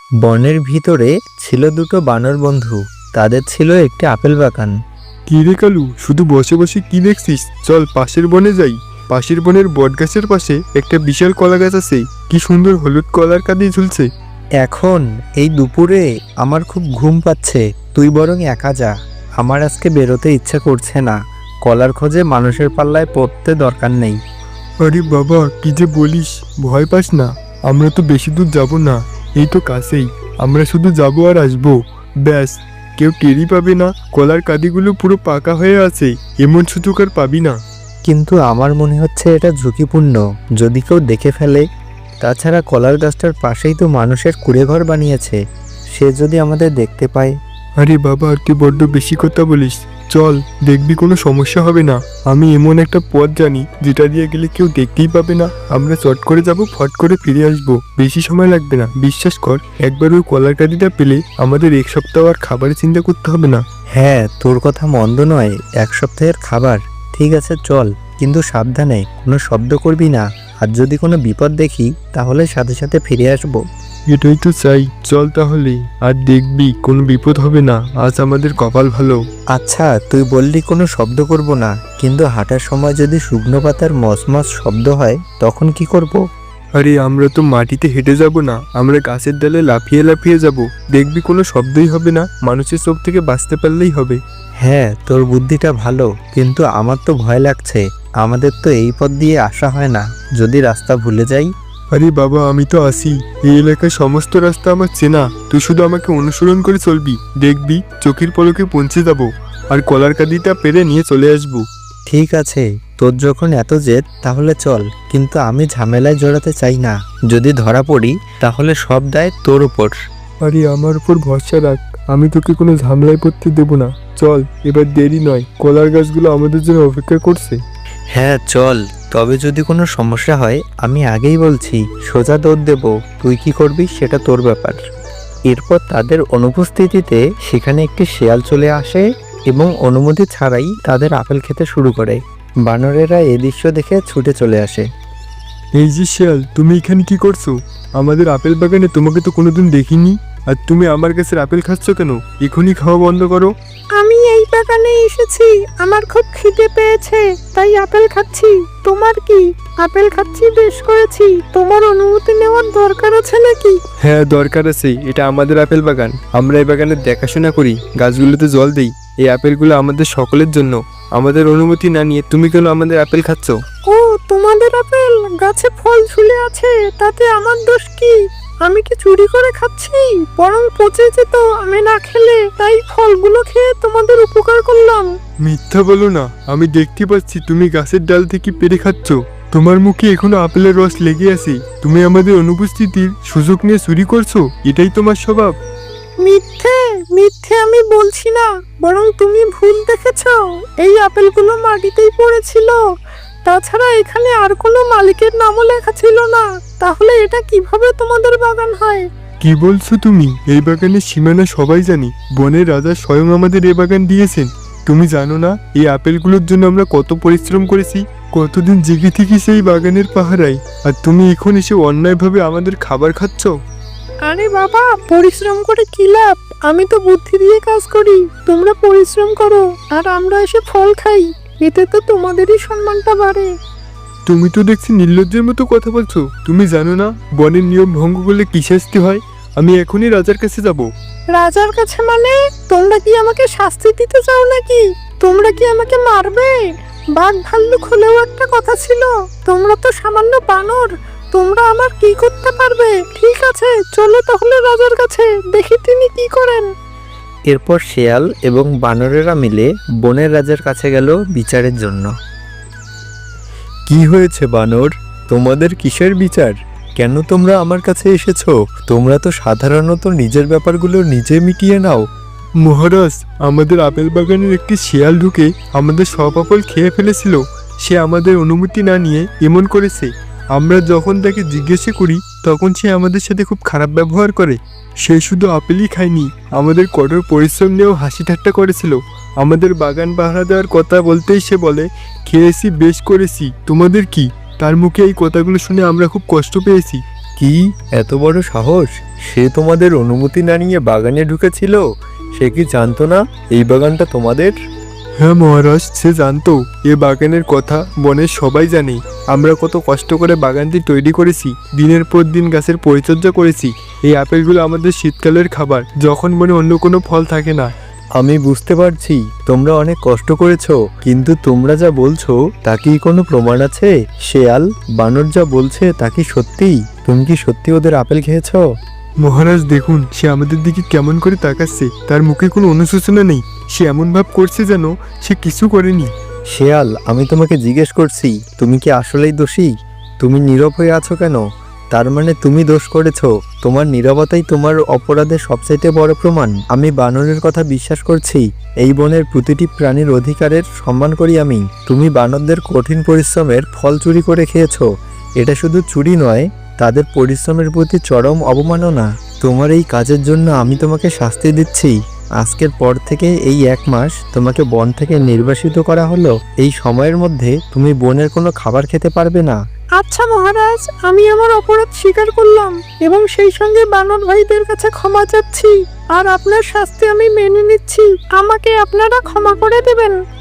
বনের ভিতরে ছিল দুটো বানর বন্ধু। তাদের ছিল একটি আপেল বাগান। কি রে কালু, শুধু বসে বসে কি দেখছিস? চল পাশের বনে যাই। পাশের বনের বট গাছের পাশে একটা বিশাল কলা গাছ আছে। কি সুন্দর হলুদ কলার কাঁদি ঝুলছে। এখন এই দুপুরে আমার খুব ঘুম পাচ্ছে, তুই বরং একা যা। আমার আজকে বেরোতে ইচ্ছা করছে না। কলার খোঁজে মানুষের পাল্লায় পড়তে দরকার নেই। আরে বাবা, কি যে বলিস, ভয় পাস না। আমরা তো বেশি দূর যাব না, এই তো কাছেই। আমরা শুধু যাবো আর আসবো, ব্যাস। কেউ টেরই পাবে না। কলার কাঁদিগুলো পুরো পাকা হয়ে আছে, এমন সুযোগ আর পাবি না। কিন্তু আমার মনে হচ্ছে এটা ঝুঁকিপূর্ণ, যদি কেউ দেখে ফেলে। তাছাড়া কলার গাছটার পাশেই তো মানুষের কুঁড়েঘর বানিয়েছে, সে যদি আমাদের দেখতে পায়। আরে বাবা, তুই বড্ড বেশি কথা বলিস। চল, দেখবি কোনো সমস্যা হবে না। আমি এমন একটা পথ জানি যেটা দিয়ে গেলে কেউ দেখতেই পাবে না। আমরা চট করে যাব, ফট করে ফিরে আসবো, বেশি সময় লাগবে না, বিশ্বাস কর। একবার ওই কলার কাঁদিটা পেলে আমাদের এক সপ্তাহ আর খাবারের চিন্তা করতে হবে না। হ্যাঁ, তোর কথা মন্দ নয়, এক সপ্তাহের খাবার। ঠিক আছে চল, কিন্তু সাবধানে, কোনো শব্দ করবি না। আর যদি কোনো বিপদ দেখি তাহলে সাথে সাথে ফিরে আসবো। এটাই তো চাই, চল তাহলে। আর দেখবি কোনো বিপদ হবে না, আজ আমাদের কপাল ভালো। আচ্ছা, তুই বললি কোনো শব্দ করব না, কিন্তু হাঁটার সময় যদি শুকনো পাতার মসমস শব্দ হয় তখন কি করব? আরে আমরা তো মাটিতে হেঁটে যাব না, আমরা গাছের ডালে লাফিয়ে লাফিয়ে যাব। দেখবি কোনো শব্দই হবে না, মানুষের চোখ থেকে বাঁচতে পারলেই হবে। হ্যাঁ, তোর বুদ্ধিটা ভালো, কিন্তু আমার তো ভয় লাগছে। আমাদের তো এই পথ দিয়ে আসা হয় না, যদি রাস্তা ভুলে যাই। আরে বাবা, আমি তো আসি। এই এলাকার সমস্ত রাস্তা আমার চেনা, তুই শুধু আমাকে অনুসরণ করে চলবি, দেখবি চোখের পলকে পৌঁছে যাব। আর কলার কাঁদিটা পেরে নিয়ে চলে আসবো। ঠিক আছে, তোর যখন এত জেদ তাহলে চল, কিন্তু আমি ঝামেলায় জড়াতে চাই না। যদি ধরা পড়ি তাহলে সব দায় তোর উপর। আরে আমার উপর ভরসা রাখ, আমি তোকে কোনো ঝামেলায় পড়তে দেবো না। চল, এবার দেরি নয়, কলার গাছগুলো আমাদের জন্য অপেক্ষা করছে। হ্যাঁ চল, তবে যদি কোনো সমস্যা হয় আমি আগেই বলছি, সোজা দৌড় দেব। তুই কি করবি সেটা তোর ব্যাপার। এরপর তাদের অনুপস্থিতিতে সেখানে একটি শেয়াল চলে আসে এবং অনুমতি ছাড়াই তাদের আপেল খেতে শুরু করে। বানরেরা এই দৃশ্য দেখে ছুটে চলে আসে। এই যে শিয়াল, তুমি এখানে কি করছো? আমাদের আপেল বাগানে তোমাকে তো কোনোদিন দেখিনি। আর তুমি আমার গাছের আপেল খাচ্ছ কেন? এখনই খাওয়া বন্ধ করো। আমি এই বাগানে এসেছি, আমার খুব খিদে পেয়েছে, তাই আপেল খাচ্ছি। তোমার কি? আপেল খাচ্ছি বেশ করেছি, তোমার অনুমতি নেওয়ার দরকার আছে নাকি? হ্যাঁ দরকার আছে, এটা আমাদের আপেল বাগান। আমরা এই বাগানের দেখাশোনা করি, গাছগুলোতে জল দেই। এই আপেলগুলো আমাদের সকলের জন্য। আমাদের অনুমতি না নিয়ে তুমি কেন আমাদের আপেল খাচ্ছ? ও, তোমাদের আপেল গাছে ফল ঝুলে আছে, তাতে আমার দোষ কি? আমি কি চুরি করে খাচ্ছি? বরং পচে যেত আমি না খেলে, তাই ফলগুলো খেয়ে তোমাদের উপকার করলাম। মিথ্যা বলো না, আমি দেখতে পাচ্ছি তুমি গাছের ডাল থেকে পেরে খাচ্ছ। তোমার মুখে এখনো আপেলের রস লেগে আছে। তুমি আমাদের অনুপস্থিতির সুযোগ নিয়ে চুরি করছো, এটাই তোমার স্বভাব। মিথ্যে মিথ্যে আমি বলছি না, বরং তুমি ভুল দেখেছো। এই আপেলগুলো মাটিতেই পড়েছিল। তাছাড়া এখানে আর কোনো মালিকের নামও লেখা ছিল না, তাহলে এটা কিভাবে তোমাদের বাগান হয়? কি বলছো তুমি? এই বাগানের সীমানা সবাই জানি, বনের রাজা স্বয়ং আমাদের এই বাগান দিয়েছেন। তুমি জানো না এই আপেলগুলোর জন্য আমরা কত পরিশ্রম করেছি, কতদিন জেগে থেকে সেই বাগানের পাহারায়। আর তুমি এখন এসে অন্যায়ভাবে আমাদের খাবার খাচ্ছ। আরে বাবা, পরিশ্রম করে কি লাভ? আমি তো বুদ্ধি দিয়ে কাজ করি, তোমরা পরিশ্রম করো আর আমরা এসে ফল খাই। এতে তো তোমাদেরই সম্মানটা বাড়ে। তুমি তো দেখছি নির্লজ্জের মতো কথা বলছো। তুমি জানো না বনের নিয়ম ভঙ্গ করলে কি শাস্তি হয়? আমি এখনই রাজার কাছে যাব। রাজার কাছে মানে? তোমরা কি আমাকে শাস্তি দিতে চাও নাকি? তোমরা কি আমাকে মারবে? বাঘ ভাল্লুক হলেও একটা কথা ছিল, তোমরা তো সামান্য বানর, তোমরা আমার কি করতে পারবে? ঠিক আছে, চলো তাহলে রাজার কাছে, দেখি তিনি কি করেন। এরপর শেয়াল এবং বানরেরা মিলে বনের রাজার কাছে গেল বিচারের জন্য। কি হয়েছে বানর, তোমাদের কিসের বিচার? কেন তোমরা আমার কাছে এসেছো? তোমরা তো সাধারণত নিজের ব্যাপারগুলো নিজে মিটিয়ে নাও। মহারাজ, আমাদের আপেল বাগানের একটি শিয়াল ঢুকে আমাদের সব আপেল খেয়ে ফেলেছিল। সে আমাদের অনুমতি না নিয়ে এমন করেছে। আমরা যখন তাকে জিজ্ঞাসা করি তখন সে আমাদের সাথে খুব খারাপ ব্যবহার করে। সে শুধু আপেলই খায়নি, আমাদের কঠোর পরিশ্রম নিয়েও হাসি ঠাট্টা করেছিল। আমাদের বাগান পাহারা দেওয়ার কথা বলতেই সে বলে, খেয়েছি বেশ করেছি, তোমাদের কি? তার মুখে এই কথাগুলো শুনে আমরা খুব কষ্ট পেয়েছি। কি এত বড় সাহস? সে তোমাদের অনুমতি না নিয়ে বাগানে ঢুকেছিল? সে কি জানতো না এই বাগানটা তোমাদের? হ্যাঁ মহারাজ, সে জানতো। এ বাগানের কথা বনের সবাই জানে। আমরা কত কষ্ট করে বাগানটি তৈরি করেছি, দিনের পর দিন গাছের পরিচর্যা করেছি। এই আপেলগুলো আমাদের শীতকালের খাবার, যখন মনে অন্য কোনো ফল থাকে না। আমি বুঝতে পারছি তোমরা অনেক কষ্ট করেছো, কিন্তু তোমরা যা বলছো তা কি কোনো প্রমাণ আছে? শেয়াল, বানর যা বলছে তা কি সত্যি? তুমি কি সত্যি ওদের আপেল খেয়েছো? মহারাজ দেখুন, সে আমাদের দিকে কেমন করে তাকাচ্ছে। তার মুখে কোনো অনুশোচনা নেই। সে এমন ভাব করছে যেন সে কিছু করেনি। শেয়াল, আমি তোমাকে জিজ্ঞেস করছি, তুমি কি আসলেই দোষী? তুমি নীরব হয়ে আছো কেন? তার মানে তুমি দোষ করেছো। তোমার নীরবতাই তোমার অপরাধের সবচাইতে বড় প্রমাণ। আমি বানরের কথা বিশ্বাস করছি। এই বনের প্রতিটি প্রাণীর অধিকারের সম্মান করি আমি। তুমি বানরদের কঠিন পরিশ্রমের ফল চুরি করে খেয়েছো। এটা শুধু চুরি নয়, তাদের পরিশ্রমের প্রতি চরম অবমাননা। তোমার এই কাজের জন্য আমি তোমাকে শাস্তি দিচ্ছি। আজকের পর থেকে এই 1 মাস তোমাকে বন থেকে নির্বাসিত করা হলো। এই সময়ের মধ্যে তুমি বনের কোনো খাবার খেতে পারবে না। আচ্ছা মহারাজ, আমি আমার অপরাধ স্বীকার করলাম এবং সেই সঙ্গে বানর ভাইদের কাছে ক্ষমা চাচ্ছি। আর আপনার শাস্তি আমি মেনে নিচ্ছি। আমাকে আপনারা ক্ষমা করে দেবেন।